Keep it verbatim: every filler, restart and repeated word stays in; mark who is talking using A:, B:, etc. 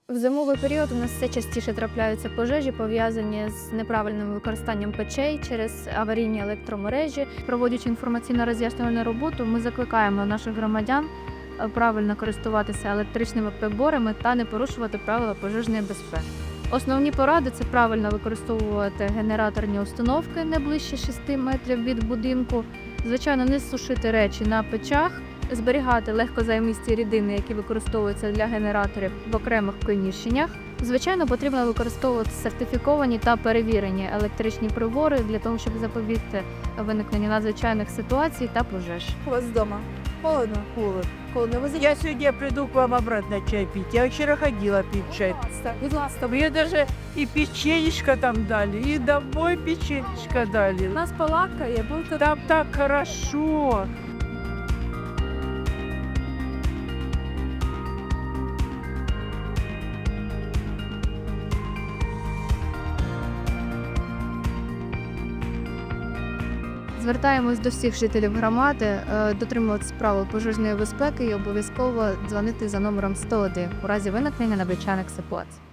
A: В зимовий період у нас все частіше трапляються пожежі, пов'язані з неправильним використанням печей через аварійні електромережі. Проводячи інформаційно-роз'яснювальну роботу, ми закликаємо наших громадян правильно користуватися електричними приборами та не порушувати правила пожежної безпеки. Основні поради – це правильно використовувати генераторні установки не ближче шести метрів від будинку, звичайно, не сушити речі на печах, зберігати легкозаймисті рідини, які використовуються для генераторів в окремих приміщеннях. Звичайно, потрібно використовувати сертифіковані та перевірені електричні прибори для того, щоб запобігти виникненню надзвичайних ситуацій та пожеж.
B: У вас дома холодно?
C: Холод.
B: Холодно. Ви
C: Я сегодня приду к вам обратно чай пить. Я вчера ходила пить чай.
B: заїжджаєте? Будь ласка,
C: Мне даже и печенечко там дали, и домой печенечко дали.
B: нас полакає, будете
C: Там так хорошо.
A: Звертаємось до всіх жителів громади е, дотримуватися правил пожежної безпеки і обов'язково дзвонити за номером сто один у разі виникнення надзвичайних ситуацій.